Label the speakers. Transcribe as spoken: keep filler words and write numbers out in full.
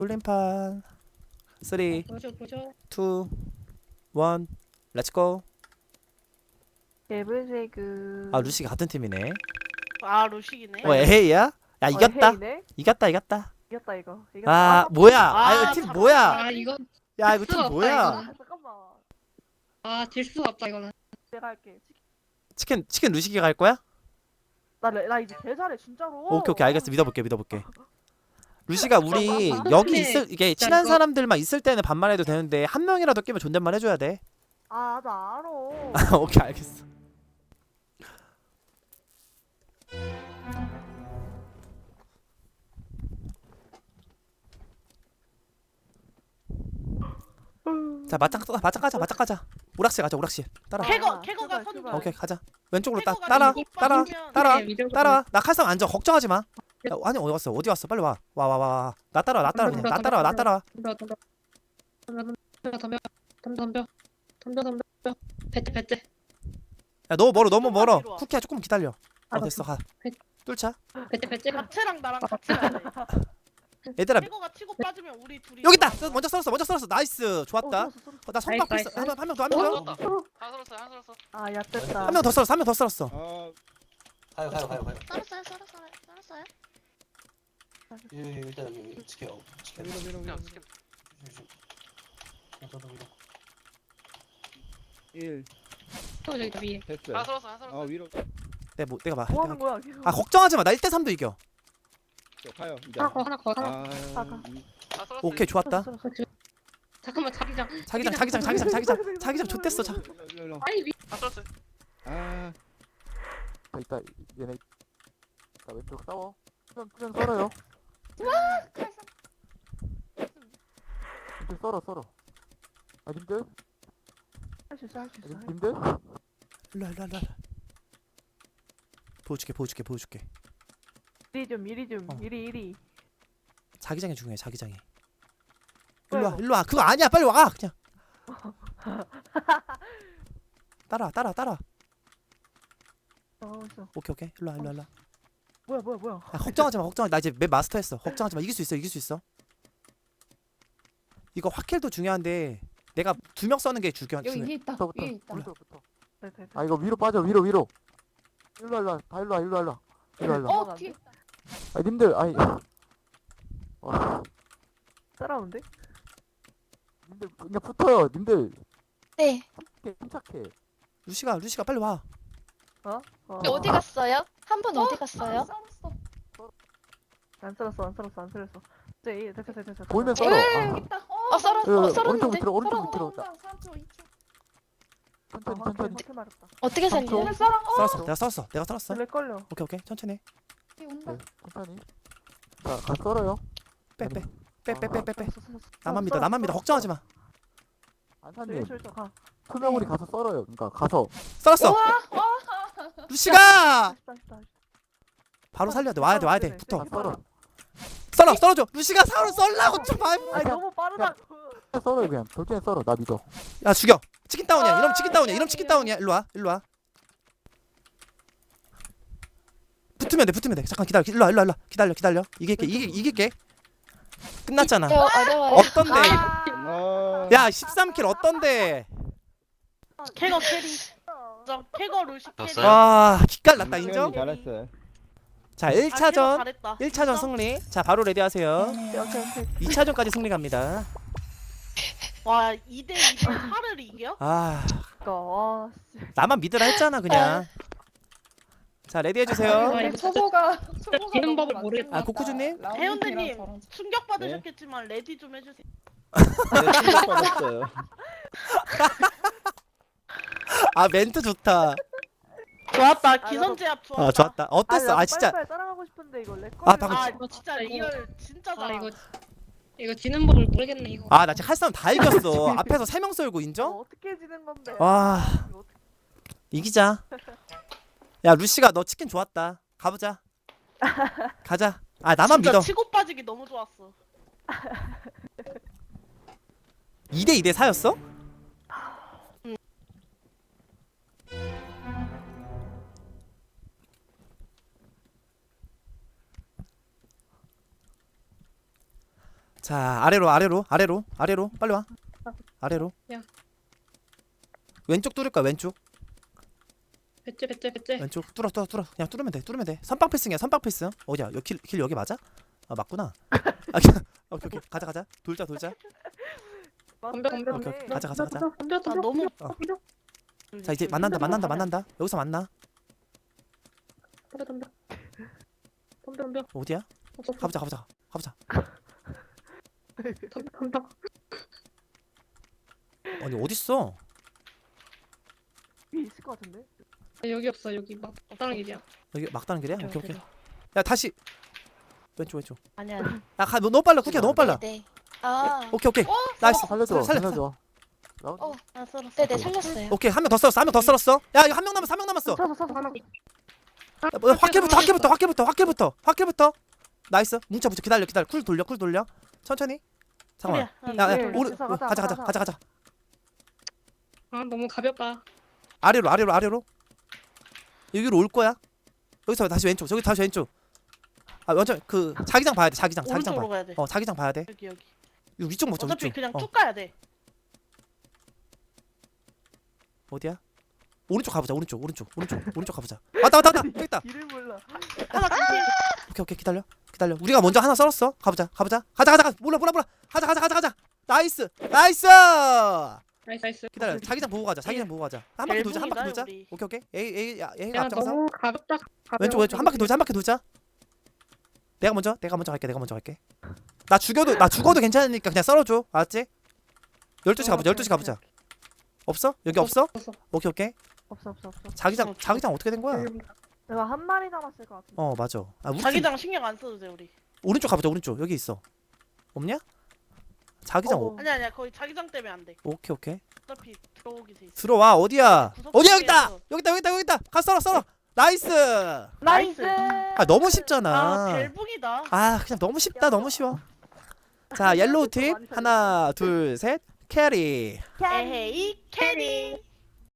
Speaker 1: 꿀림판 쓰리
Speaker 2: 보죠 보죠.
Speaker 1: 투 원 렛츠고.
Speaker 3: 개불세그.
Speaker 1: 아 루시가 같은 팀이네.
Speaker 4: 아 루식이네.
Speaker 1: 어 에헤이야? 야 이겼다.
Speaker 3: 헤이네?
Speaker 1: 이겼다 이겼다.
Speaker 3: 이겼다 이거. 이겼다.
Speaker 1: 아 뭐야?
Speaker 4: 아,
Speaker 1: 아 이거 팀
Speaker 4: 참-
Speaker 1: 뭐야?
Speaker 2: 아 이거
Speaker 1: 야 이거 팀
Speaker 2: 수가 없다,
Speaker 1: 뭐야?
Speaker 2: 이거는.
Speaker 3: 아, 잠깐만.
Speaker 2: 아질 수가 없다 이거는.
Speaker 3: 내가 할게.
Speaker 1: 치킨 치킨 루시기 갈 거야?
Speaker 3: 나, 레- 나 이제 개 잘해 진짜로.
Speaker 1: 오케이 오케이 알겠어. 믿어볼게 믿어볼게. 루시가 우리 여기 있을 이게 친한
Speaker 2: 이거-
Speaker 1: 사람들만 있을 때는 반말해도 되는데 한 명이라도 끼면 존댓말 해줘야 돼.
Speaker 3: 아, 나 알아.
Speaker 1: 오케이 알겠어. 자 맞짱 떠 맞짱 가자 맞짱 가자. 오락실 가자 오락실. 따라.
Speaker 3: 캐-
Speaker 4: 캐거
Speaker 3: 아,
Speaker 4: 캐거가
Speaker 3: 출발,
Speaker 4: 선두.
Speaker 3: 출발.
Speaker 1: 오케이 가자. 왼쪽으로 따
Speaker 4: 캐거가
Speaker 1: 따라
Speaker 4: 이거
Speaker 1: 따라
Speaker 4: 빠지면-
Speaker 1: 따라
Speaker 2: 네, 미들
Speaker 1: 따라. 나 칼상 앉아 걱정하지 마. 야, 아니 어디 갔어 어디 갔어 빨리 와 와 와 와. 나 따라 나 따라 그냥 나 따라 나 따라.
Speaker 2: 덤벼 덤벼 덤벼 덤벼 덤벼 덤벼 덤벼 덤벼 덤벼 배째 배째.
Speaker 1: 야 너무 멀어 너무 멀어.
Speaker 4: 뒤로 와.
Speaker 1: 쿠키야 조금 기다려. 어
Speaker 2: 알았어.
Speaker 1: 됐어 가. 뚫자.
Speaker 2: 배째 배째.
Speaker 4: 자체랑 나랑 같이 가야 돼.
Speaker 1: 얘들아
Speaker 4: 캐거가 치고 빠지면 우리 둘이.
Speaker 1: 여기 있다. 먼저 썰었어 먼저 썰었어 나이스 좋았다.
Speaker 3: 어, sorry, sorry.
Speaker 1: 어, 나 성박
Speaker 2: 나이스,
Speaker 1: 필수
Speaker 2: 나이스.
Speaker 1: 한명 더 한 명 더 한 명 더.
Speaker 5: 다 살았어, 다 살았어.
Speaker 3: 아, 야 됐다.
Speaker 1: 한 명 더 썰었어 한 명 더 썰었어.
Speaker 6: 아,
Speaker 5: 가요, 가요, 가요, 가요.
Speaker 7: 썰었어요, 썰었어요, 썰었어요.
Speaker 5: 예, 예, 일단 여기 지켜, 지켜.
Speaker 6: 밀어 밀어 밀어. 일
Speaker 2: 또 저기 위에.
Speaker 6: 됐어.
Speaker 5: 다 살았어, 다 살았어.
Speaker 6: 아 위로
Speaker 1: 내가 뭐 내가 봐.
Speaker 3: 뭐 하는 거야 계속.
Speaker 1: 아 걱정하지 마. 나 일 대 삼도 이겨.
Speaker 6: 가요. 이제.
Speaker 2: 하나 거 하나 거 하나.
Speaker 6: 아,
Speaker 3: 아까.
Speaker 6: 이-
Speaker 5: 다 살았어.
Speaker 1: 오케이 좋았다.
Speaker 3: 썰었어, 썰었어.
Speaker 2: 잠깐만 자기장.
Speaker 1: 자기장 자기장 자기장 자기장 자기장 좋댔어. 자.
Speaker 6: 일로, 일로, 일로.
Speaker 2: 아니 위.
Speaker 5: 다 살았어.
Speaker 6: 아,
Speaker 8: 자, 이따 얘네 자 왼쪽 싸워. 수면 수면 썰어요. 님들 썰어 썰어. 아 님들
Speaker 3: 할수 있어, 할 수
Speaker 8: 아,
Speaker 3: 있어.
Speaker 8: 님- 님들
Speaker 1: 일로 와, 일로 와, 일로 와. 보여줄게 보여줄게 보여줄게.
Speaker 3: 이리 좀, 이리 좀,
Speaker 1: 어.
Speaker 3: 이리 이리.
Speaker 1: 자기장이 중요해 자기장이.
Speaker 3: 뭐야,
Speaker 1: 일로 와
Speaker 3: 이거?
Speaker 1: 일로 와. 그거 아니야 빨리 와 그냥. 따라 따라 따라.
Speaker 3: 어, 있어.
Speaker 1: 오케이 오케이 일로 와 일로 와, 일로 와.
Speaker 3: 뭐야, 뭐야, 뭐야.
Speaker 1: 아, 걱정하지 마 걱정하지 마. 나 이제 맵 마스터했어. 걱정하지 마. 이길 수 있어 이길 수 있어. 이거 확킬도 중요한데 내가 두 명 써는 게 중요.
Speaker 7: 여기
Speaker 1: 중요해.
Speaker 7: 위에 있다.
Speaker 8: 부터
Speaker 7: 위에 있다.
Speaker 8: 부터.
Speaker 3: 네, 네, 네.
Speaker 8: 아 이거 위로 빠져 위로 위로. 일로 와, 일로 와. 다 일로 와 일로 와, 일로 와. 일로 와, 일로 와.
Speaker 7: 어, 뒤에 있다.
Speaker 8: 아 님들 아니. 와
Speaker 3: 따라오는데?
Speaker 8: 님들 그냥 붙어요. 님들
Speaker 7: 네.
Speaker 8: 침착해, 침착해.
Speaker 1: 루시가 루시가 빨리 와.
Speaker 3: 어?
Speaker 7: 어디 갔어요? 한 분 어디 갔어요?
Speaker 3: 안 썰었어, 안 썰었어, 안 썰었어. 이제 됐어, 됐어, 됐어.
Speaker 8: 보이면 썰어. 아,
Speaker 7: 어, 썰었어.
Speaker 8: 어,
Speaker 7: 어,
Speaker 8: 오른쪽
Speaker 7: 썰었는데.
Speaker 8: 밑으로 오른쪽
Speaker 7: 썰었는데.
Speaker 8: 밑으로. 자, 천천히
Speaker 3: 아,
Speaker 8: 천천히.
Speaker 3: 확 말했다.
Speaker 7: 어떻게
Speaker 8: 삼 초.
Speaker 7: 살려?
Speaker 1: 썰었어 내가 썰었어 내가 썰었어.
Speaker 3: 렉 걸려.
Speaker 1: 오케이 오케이 천천히.
Speaker 8: 네, 천천히. 자, 가 썰어요.
Speaker 1: 빼 빼 빼 빼 빼 빼빼.
Speaker 3: 썰었어, 썰었어.
Speaker 1: 나만 믿어
Speaker 3: 썰었어,
Speaker 1: 나만 믿어
Speaker 3: 썰었어.
Speaker 1: 걱정하지 마.
Speaker 8: 안사님
Speaker 3: 저기, 저기, 가.
Speaker 8: 투명우리 가서 썰어요. 그러니까 가서.
Speaker 1: 썰었어. 루시가
Speaker 3: 다시, 다시, 다시.
Speaker 1: 바로 살려야 돼 와야 돼 와야 돼 붙어.
Speaker 8: 가 썰어.
Speaker 1: 썰어 썰어줘. 루시가 사로 썰라고 좀 봐.
Speaker 3: 아니 너무 빠르다고.
Speaker 8: 썰어요 그냥. 돌진해 썰어. 나 믿어.
Speaker 1: 야 죽여. 치킨 다운이야. 이러면 치킨 다운이야. 이러면 치킨 다운이야. 일로 와 일로 와. 붙으면 돼 붙으면 돼. 잠깐 기다려. 일로 와 일로 와 일로 와. 기다려 기다려. 이길게 이길 이길게. 끝났잖아.
Speaker 7: 어, 어려워요.
Speaker 1: 어떤데?
Speaker 6: 아,
Speaker 1: 야 십삼 킬 어떤데?
Speaker 4: 캐거 캐리. 인정. 캐거 루식 캐리.
Speaker 5: 졌어요?
Speaker 1: 와 기깔났다 인정?
Speaker 6: 잘했어요.
Speaker 1: 자
Speaker 4: 아, 캐거
Speaker 1: 일 차전
Speaker 4: 잘했다.
Speaker 1: 일 차전 승리. 자 바로 레디하세요.
Speaker 3: 오케이, 오케이.
Speaker 1: 이 차전까지 승리 갑니다.
Speaker 4: 와 이 대 이 대 팔을 이겨?
Speaker 1: 아
Speaker 3: 그니까, 와, 씨.
Speaker 1: 나만 믿으라 했잖아 그냥. 자 레디해 주세요.
Speaker 2: 아, 이거
Speaker 7: 초보가
Speaker 2: 지는 법을 모르겠다.
Speaker 1: 아 코코주님.
Speaker 4: 해운대님 충격 받으셨겠지만 레디 좀 해주세요.
Speaker 6: 네, 충격받았어요.
Speaker 1: 아 멘트 좋다.
Speaker 4: 좋았다.
Speaker 3: 나도-
Speaker 4: 기선제압 좋았다.
Speaker 1: 아 좋았다. 어땠어?
Speaker 3: 나도
Speaker 1: 아 진짜.
Speaker 3: 빨리빨리 따라가고 싶은데 이거 렉
Speaker 1: 아,
Speaker 3: 걸려.
Speaker 1: 방금
Speaker 4: 아
Speaker 2: 이거
Speaker 4: 진짜
Speaker 2: 진짜 이거-
Speaker 4: 리얼 진짜
Speaker 2: 아
Speaker 4: 잘하.
Speaker 2: 이거 이거 지는 법을 모르겠네 이거.
Speaker 1: 아 나 지금 할 사람 다 이겼어. 앞에서 세 명 썰고 인정?
Speaker 3: 어, 어떻게 지는 건데?
Speaker 1: 와
Speaker 3: 이거 어떡해.
Speaker 1: 이기자. 야 루시가 너 치킨 좋았다. 가보자. 가자. 아 나만
Speaker 4: 진짜
Speaker 1: 믿어.
Speaker 4: 치고 빠지기 너무 좋았어.
Speaker 1: 이 대 이 대 사였어? 자 자 아래로 아래로 아래로 아래로 빨리 와. 아래로.
Speaker 2: 야.
Speaker 1: 왼쪽 뚫을 거야 왼쪽.
Speaker 2: 배째 배째 배째.
Speaker 1: 왼쪽 뚫어 뚫어 뚫어 그냥 뚫으면 돼 뚫으면 돼. 선빵 패스야 선빵 패스. 어디야 여기 길, 길 여기 맞아? 아 맞구나. 아, 오케이 오케이 가자 가자 돌자 돌자.
Speaker 2: 덤벼 덤벼
Speaker 1: 오케이,
Speaker 2: 덤벼.
Speaker 1: 오케이. 가자, 가자, 가자.
Speaker 2: 덤벼
Speaker 4: 아
Speaker 2: 덤벼.
Speaker 4: 너무
Speaker 1: 어.
Speaker 2: 덤벼
Speaker 1: 자 이제 만난다 만난다 만난다. 여기서 만나.
Speaker 2: 덤벼 덤벼. 덤벼 덤벼.
Speaker 1: 어디야?
Speaker 2: 없어, 없어.
Speaker 1: 가보자 가보자 가보자.
Speaker 2: 덤벼 덤벼.
Speaker 1: 아니 어딨어?
Speaker 3: 위에 있을 것 같은데?
Speaker 2: 아, 여기 없어 여기 막 다른 길이야.
Speaker 1: 여기 막다른 길이야?
Speaker 4: 네,
Speaker 1: 오케이 오케이. 야 다시 왼쪽 왼쪽.
Speaker 4: 아니 아니.
Speaker 1: 야가 너무 빨라 쿠키야 너무 빨라.
Speaker 7: 네. 아.
Speaker 1: 오케이 오케이. 나이스.
Speaker 8: 살려줘
Speaker 1: 살려,
Speaker 8: 살려줘 나
Speaker 7: 어.
Speaker 4: 아 썰었어.
Speaker 7: 네네 살렸어요.
Speaker 1: 오케이 한 명 더 썰었어 한 명 더 썰었어. 야 이거 한 명 남았어 한 명 남았어.
Speaker 3: 서서 서서
Speaker 2: 하나.
Speaker 1: 야, 뭐, 확킬부터 확킬부터 확킬부터 확킬부터 확킬부터. 나이스. 뭉쳐 붙여 기다려 기다려 쿨 돌려 쿨 돌려. 천천히. 잠깐만.
Speaker 4: 소리야.
Speaker 1: 야야
Speaker 3: 네,
Speaker 1: 오른
Speaker 3: 가자,
Speaker 1: 가자
Speaker 3: 가자,
Speaker 1: 가자
Speaker 3: 가자.
Speaker 1: 가자 가자.
Speaker 2: 아 너무 가볍다.
Speaker 1: 아래로 아래로 아래로. 여기로 올 거야. 여기서 다시 왼쪽 저기 다시 왼쪽. 아 완전 그 자기장 봐야 돼 자기장 자기장
Speaker 4: 오른쪽으로
Speaker 1: 봐.
Speaker 4: 가야 돼.
Speaker 1: 어 자기장 봐야 돼.
Speaker 4: 여기 여기.
Speaker 1: 이거 위쪽 먹자
Speaker 4: 어차피
Speaker 1: 위쪽.
Speaker 4: 그냥
Speaker 1: 어.
Speaker 4: 쭉 가야 돼.
Speaker 1: 어디야? 오른쪽 가보자 오른쪽 오른쪽 오른쪽 오른쪽 가보자. 왔다 왔다 왔다 여기 있다.
Speaker 3: 길을 몰라.
Speaker 4: 하나 진심.
Speaker 1: 오케이 오케이 기다려 기다려. 우리가 먼저 하나 썰었어. 가보자 가보자 가자 가자 가자. 몰라 몰라 몰라. 가자 가자 가자 가자. 나이스 나이스.
Speaker 2: 나이스 나이스.
Speaker 1: 기다려 자기장 보고 가자 자기장 보고 가자. 한 바퀴 돌자 한 바퀴 돌자.
Speaker 4: 우리.
Speaker 1: 오케이 오케이. 에이 에이 야 에이
Speaker 2: 야
Speaker 1: 앞장서.
Speaker 2: 너무 가볍다. 가벼워.
Speaker 1: 왼쪽 왼쪽 한 바퀴 돌자 한 바퀴 돌자. 내가 먼저 내가 먼저 갈게 내가 먼저 갈게. 나 죽여도 나 죽어도 괜찮으니까 그냥 썰어줘 알았지? 열두 시 가보자 열두 시 가보자. 없어? 여기 없어?
Speaker 2: 없어.
Speaker 1: 오케이 오케이.
Speaker 3: 없어 없어 없어.
Speaker 1: 자기장 자기장 어떻게 된 거야?
Speaker 3: 내가 한 마리 남았을 것 같은데.
Speaker 1: 어 맞아. 아 우리 팀
Speaker 4: 자기장 신경 안 써도 돼 우리.
Speaker 1: 오른쪽 가보자 오른쪽 여기 있어. 없냐? 자기장
Speaker 3: 어.
Speaker 1: 오,
Speaker 4: 아니 아니야 거의 자기장 때문에 안 돼.
Speaker 1: 오케이 오케이.
Speaker 4: 어차피 들어오게 돼 있어.
Speaker 1: 들어와 어디야?
Speaker 4: 구석
Speaker 1: 어디야 여기 있다
Speaker 4: 구석에서.
Speaker 1: 여기 있다 여기 있다 여기 있다. 가 썰어 썰어. 나이스.
Speaker 3: 나이스.
Speaker 1: 아 너무
Speaker 4: 아
Speaker 1: 쉽잖아.
Speaker 4: 벨붕이다.
Speaker 1: 아 그냥 너무 쉽다 너무 쉬워. 자 옐로우 팀 하나 둘 셋 캐리.
Speaker 4: 에헤이 캐리.